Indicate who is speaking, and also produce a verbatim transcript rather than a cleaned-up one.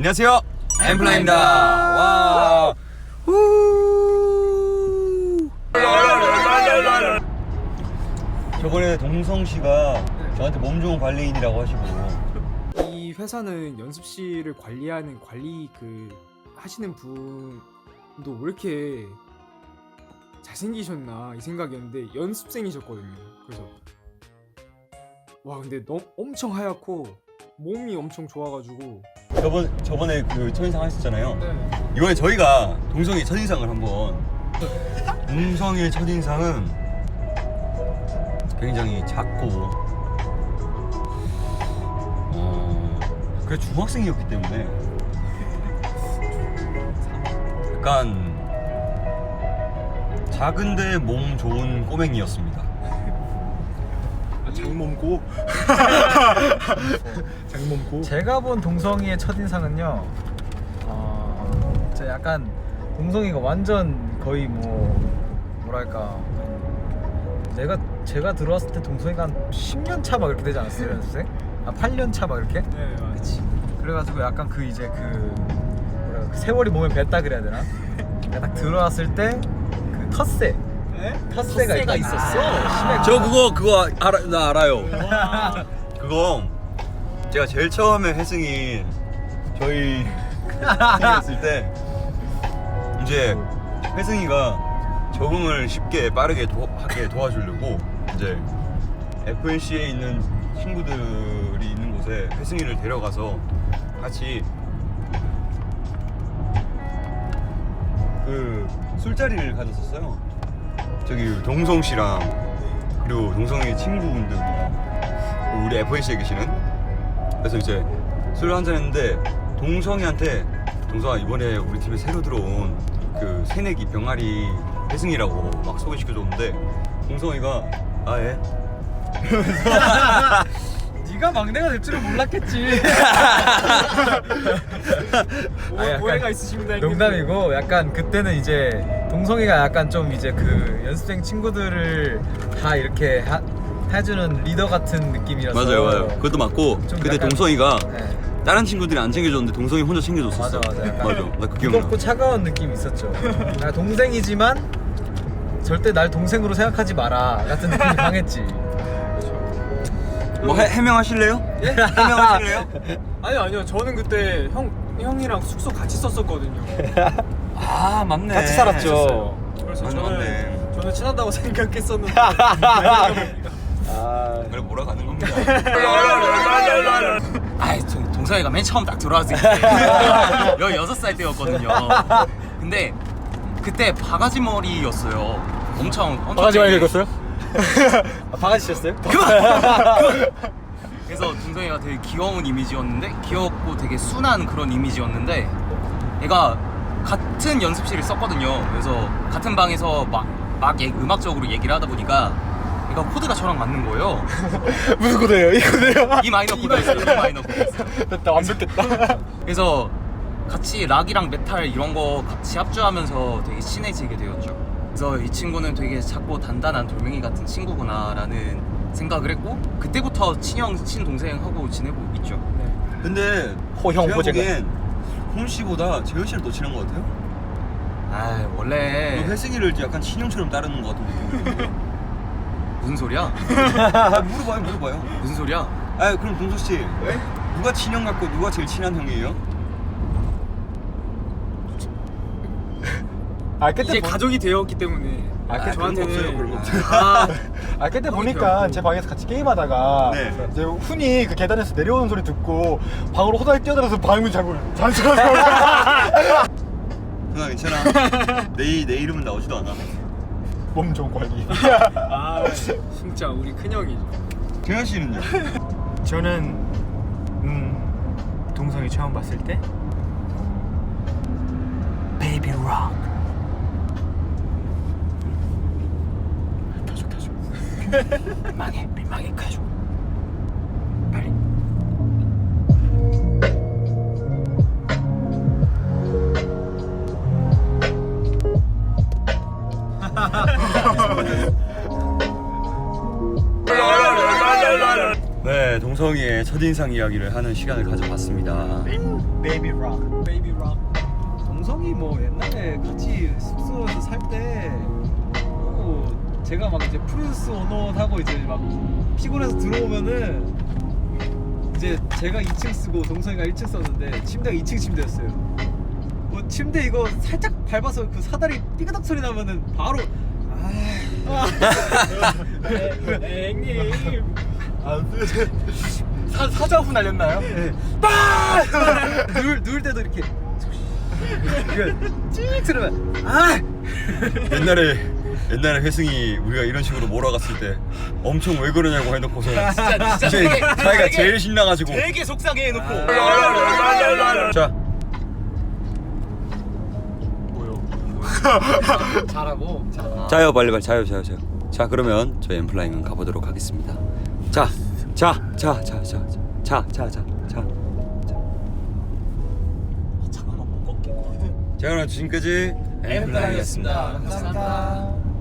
Speaker 1: 안녕하세요, 엠플라입니다. 와. 후. 저번에 동성 씨가 저한테 몸 좋은 관리인이라고 하시고.
Speaker 2: 이 회사는 연습실을 관리하는 관리 그 하시는 분도 왜 이렇게 잘생기셨나 이 생각이었는데 연습생이셨거든요. 그래서 와 근데 너무 엄청 하얗고 몸이 엄청 좋아가지고
Speaker 1: 저번 저번에 그 첫인상 하셨잖아요.
Speaker 2: 네.
Speaker 1: 이번에 저희가 동성이 첫인상을 한번. 동성이의 첫인상은 굉장히 작고, 어, 그래 중학생이었기 때문에 약간 작은데 몸 좋은 꼬맹이였습니다.
Speaker 2: 장몸고 장몸고
Speaker 3: 제가 본 동성이의 첫인상은요, 어, 저 약간 동성이가 완전 거의 뭐 뭐랄까, 내가 제가 들어왔을 때 동성이가 한 십 년 차 막 이렇게 되지 않았어요, 연습생? 아 팔 년 차 막 이렇게?
Speaker 2: 네 맞지.
Speaker 3: 그래가지고 약간 그 이제 그 뭐랄까 그 세월이 몸에 뱄다 그래야 되나? 내가 딱 들어왔을 때 그 텃세 텃세가
Speaker 2: 텃세가
Speaker 3: 있다.
Speaker 2: 있었어?
Speaker 3: 아,
Speaker 1: 저 그거 그거 알아, 나 알아요. 그거 제가 제일 처음에 혜승이 저희 생겼을 때 이제 혜승이가 적응을 쉽게 빠르게 도, 하게 도와주려고 이제 에프엔씨에 있는 친구들이 있는 곳에 혜승이를 데려가서 같이 그 술자리를 가졌었어요. 저기 동성 씨랑 그리고 동성의 친구분들이랑 우리 에프엔씨에 계시는. 그래서 이제 술 한잔 했는데 동성이한테 동성아 이번에 우리 팀에 새로 들어온 그 새내기 병아리 혜승이라고 막 소개시켜줬는데 동성이가 아 예?
Speaker 3: 네가 막내가 될 줄은 몰랐겠지.
Speaker 2: 오,
Speaker 3: 아, 약간
Speaker 2: 오해가 있으십니다.
Speaker 3: 농담이고 약간 그때는 이제 동성이가 약간 좀 이제 그 연습생 친구들을 다 이렇게 하, 해주는 리더 같은 느낌이라서.
Speaker 1: 맞아요 맞아요 그것도 맞고
Speaker 3: 좀
Speaker 1: 그때
Speaker 3: 약간-
Speaker 1: 동성이가
Speaker 3: 네.
Speaker 1: 다른 친구들이 안 챙겨줬는데 동성이 혼자 챙겨줬었어.
Speaker 3: 맞아 맞아. 약간
Speaker 1: 맞아 나 그 기억나.
Speaker 3: 무겁고 차가운 느낌이 있었죠. 나 동생이지만 절대 날 동생으로 생각하지 마라 같은 느낌이 강했지.
Speaker 1: 뭐 해, 해명하실래요? 예? 해명하실래요?
Speaker 2: 아니요 아니요 저는 그때 형 형이랑 숙소 같이 썼었거든요.
Speaker 1: 아 맞네.
Speaker 3: 같이 살았죠.
Speaker 2: 그래서
Speaker 1: 맞네,
Speaker 2: 저는
Speaker 1: 맞네.
Speaker 2: 저는 친하다고 생각했었는데
Speaker 3: 아,
Speaker 1: 그래 몰아가는 겁니다.
Speaker 4: 아이, 저 동성이가 맨 처음 딱 들어왔을 때 열여섯 살 때였거든요. 근데 그때 바가지 머리였어요. 엄청 엄청
Speaker 3: 바가지 많이
Speaker 4: 되게-
Speaker 3: 긁었어요? 아, 바가지 쳤어요?
Speaker 4: 그래서 동성이가 되게 귀여운 이미지였는데, 귀엽고 되게 순한 그런 이미지였는데, 얘가 같은 연습실을 썼거든요. 그래서 같은 방에서 막, 막 얘- 음악적으로 얘기를 하다 보니까 얘가 코드가 저랑 맞는 거예요.
Speaker 3: 무슨 코드예요? 이 코드예요?
Speaker 4: 이 마이너 코드였어요. 이 마이너 코드였어요.
Speaker 3: 됐다, 완벽했다.
Speaker 4: 그래서 같이 락이랑 메탈 이런 거 같이 합주하면서 되게 친해지게 되었죠. 그래서 이 친구는 되게 작고 단단한 돌멩이 같은 친구구나라는 생각을 했고, 그때부터 친형, 친동생하고 지내고 있죠.
Speaker 1: 근데
Speaker 3: 호형,
Speaker 1: 제가
Speaker 3: 호재가.
Speaker 1: 보기엔 홈 씨보다 재현 씨를 더 친한 것 같아요.
Speaker 4: 아 원래
Speaker 1: 너 혜승이를 약간 친형처럼 따르는 것 같은 느낌이 드는데.
Speaker 4: 무슨 소리야?
Speaker 1: 아, 물어봐요 물어봐요.
Speaker 4: 무슨 소리야?
Speaker 1: 아 그럼 동서 씨 누가 친형 같고 누가 제일 친한 형이에요?
Speaker 3: 아, 그때
Speaker 2: 이제
Speaker 3: 보...
Speaker 2: 가족이 되었기 때문에
Speaker 3: 아,
Speaker 1: 아, 그런 거 없어요,
Speaker 2: 저한테는
Speaker 1: 그런 거 없어요.
Speaker 2: 아,
Speaker 3: 아, 그때
Speaker 2: 형이
Speaker 3: 보니까
Speaker 2: 되었고.
Speaker 3: 제 방에서 같이 게임하다가
Speaker 1: 네.
Speaker 3: 이제 훈이 그 계단에서 내려오는 소리 듣고 방으로 호다리 뛰어들어서 방문 잠글 잔소리하고
Speaker 1: 누나 괜찮아. 내, 내 이름은 나오지도 않아.
Speaker 3: 몸 좋은 관리.
Speaker 2: 아 진짜 우리 큰형이죠.
Speaker 1: 재현 씨는요?
Speaker 5: 저는 음 동성이 처음 봤을 때 베이비 록
Speaker 3: 타죠 타죠.
Speaker 5: 민망해 민망해 가져 빨리
Speaker 1: 네, 동 동성이의 첫인상 이야기를 하는 시간을 가져봤습니다.
Speaker 5: 베이비 락.
Speaker 3: 베이비 락. 동성이 뭐 옛날에 같이 숙소에서 살때 어, 제가 막 이제 프루스 원원 하고 이제 막 피곤해서 들어오면은 이제 제가 이 층 쓰고 동성이가 일 층 썼는데 침대가 이 층 침대였어요. 뭐 침대 이거 살짝 밟아서 그 사다리 삐그덕 소리 나면은 바로 아, 형님
Speaker 5: 사 사자후 날렸나요?
Speaker 3: 누울 누울 때도 이렇게 찌익 들으면 아
Speaker 1: 옛날에 옛날에 회승이 우리가 이런 식으로 몰아갔을 때 엄청 왜 그러냐고 해놓고서
Speaker 4: 진짜 진짜
Speaker 1: 이제
Speaker 4: 되게-
Speaker 1: 자기가
Speaker 4: 되게-
Speaker 1: 제일 신나가지고
Speaker 4: 되게 속상해 해놓고
Speaker 1: 자
Speaker 3: 잘하고 자.
Speaker 1: 자요 빨리 빨리 자요 자요 자요. 자 그러면 저희 엠플라잉은 가보도록 하겠습니다. 자 자 자 자 자 자 자 자 자.
Speaker 5: 잠깐만 못 걷게.
Speaker 1: 자 그럼 지금까지
Speaker 4: 엠플라잉이었습니다.
Speaker 3: 감사합니다.